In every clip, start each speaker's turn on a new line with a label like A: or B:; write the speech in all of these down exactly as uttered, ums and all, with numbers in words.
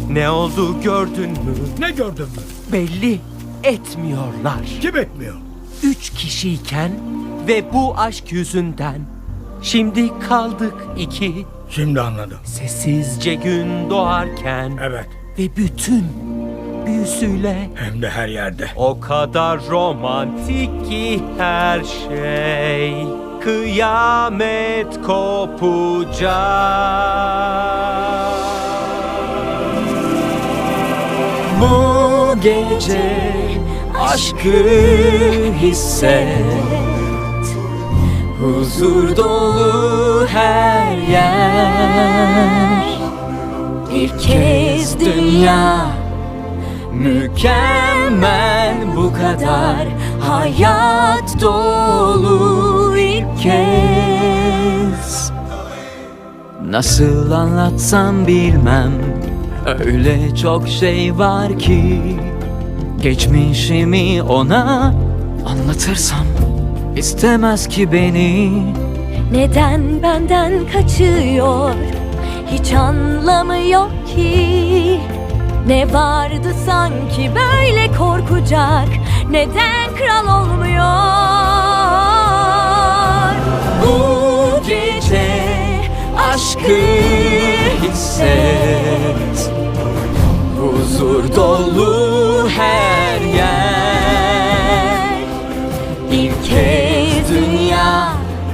A: Ne oldu gördün mü?
B: Ne gördün mü?
A: Belli etmiyorlar.
B: Kim etmiyor?
A: Üç kişiyken ve bu aşk yüzünden şimdi kaldık iki.
B: Şimdi anladım.
A: Sessizce gün doğarken
B: Evet.
A: ve bütün büyüsüyle
B: Hem de her yerde.
A: o kadar romantik ki her şey. Kıyamet kopacak. Bu gece aşkı hisset. Huzur dolu her yer. Bir kez dünya mükemmel, bu kadar hayat dolu ilk kez. Nasıl anlatsam bilmem, öyle çok şey var ki. Geçmişimi ona anlatırsam istemez ki beni.
C: Neden benden kaçıyor? Hiç anlamı yok ki. Ne vardı sanki böyle korkacak? Neden kral olmuyor?
A: Bu gece aşkı hisset. Huzur dolu her yer. Bir kez dünya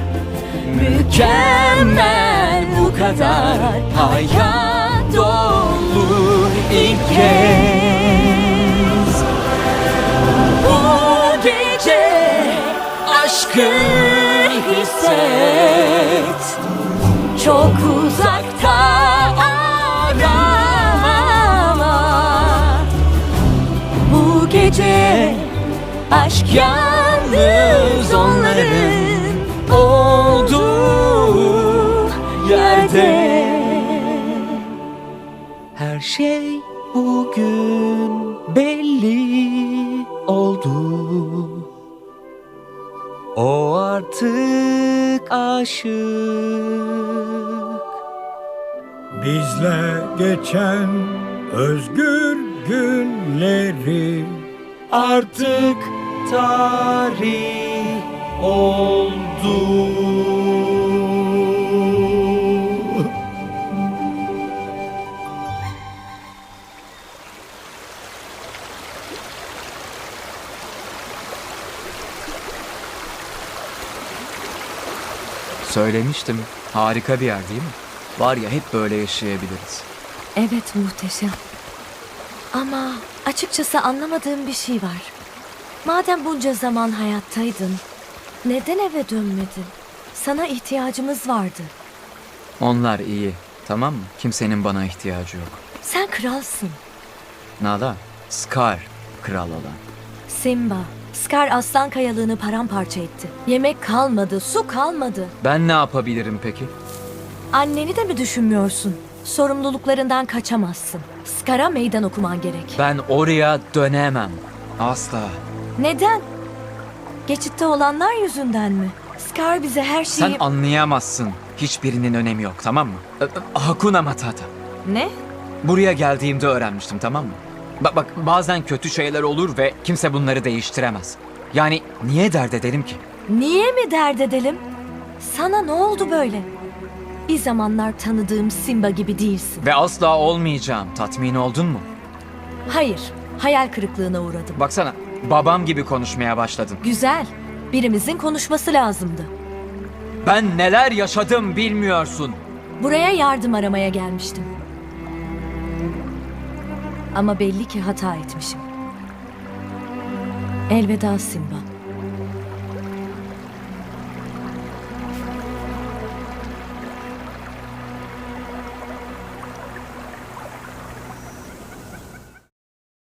A: mükemmel, bu kadar hayat dolu ilk kez. Bu gece aşkı hisset.
C: Çok uzakta arama. Bu gece aşk yalnız onların
A: Olduğu yerde her şey bugün belli oldu. O artık aşık.
B: Bizle geçen özgür günleri
A: Artık tarih oldu.
D: Söylemiştim. Harika bir yer değil mi? Var ya, hep böyle yaşayabiliriz.
C: Evet, muhteşem. Ama açıkçası anlamadığım bir şey var. Madem bunca zaman hayattaydın, neden eve dönmedin? Sana ihtiyacımız vardı.
D: Onlar iyi, tamam mı? Kimsenin bana ihtiyacı yok.
C: Sen kralsın.
D: Nala, Scar kral olan.
C: Simba, Scar aslan kayalığını paramparça etti. Yemek kalmadı, su kalmadı.
D: Ben ne yapabilirim peki?
C: Anneni de mi düşünmüyorsun? Sorumluluklarından kaçamazsın. Scar'a meydan okuman gerek.
D: Ben oraya dönemem. Asla.
C: Neden? Geçitte olanlar yüzünden mi? Scar bize her şeyi...
D: Sen anlayamazsın. Hiçbirinin önemi yok, tamam mı? Ö- ö- Hakuna Matata.
C: Ne?
D: Buraya geldiğimde öğrenmiştim, tamam mı? Bak bak, bazen kötü şeyler olur ve kimse bunları değiştiremez. Yani niye dert edelim ki?
C: Niye mi dert edelim? Sana ne oldu böyle? Bir zamanlar tanıdığım Simba gibi değilsin.
D: Ve asla olmayacağım. Tatmin oldun mu?
C: Hayır, hayal kırıklığına uğradım.
D: Baksana, babam gibi konuşmaya başladın.
C: Güzel, birimizin konuşması lazımdı.
D: Ben neler yaşadım bilmiyorsun.
C: Buraya yardım aramaya gelmiştim. Ama belli ki hata etmişim. Elveda Simba.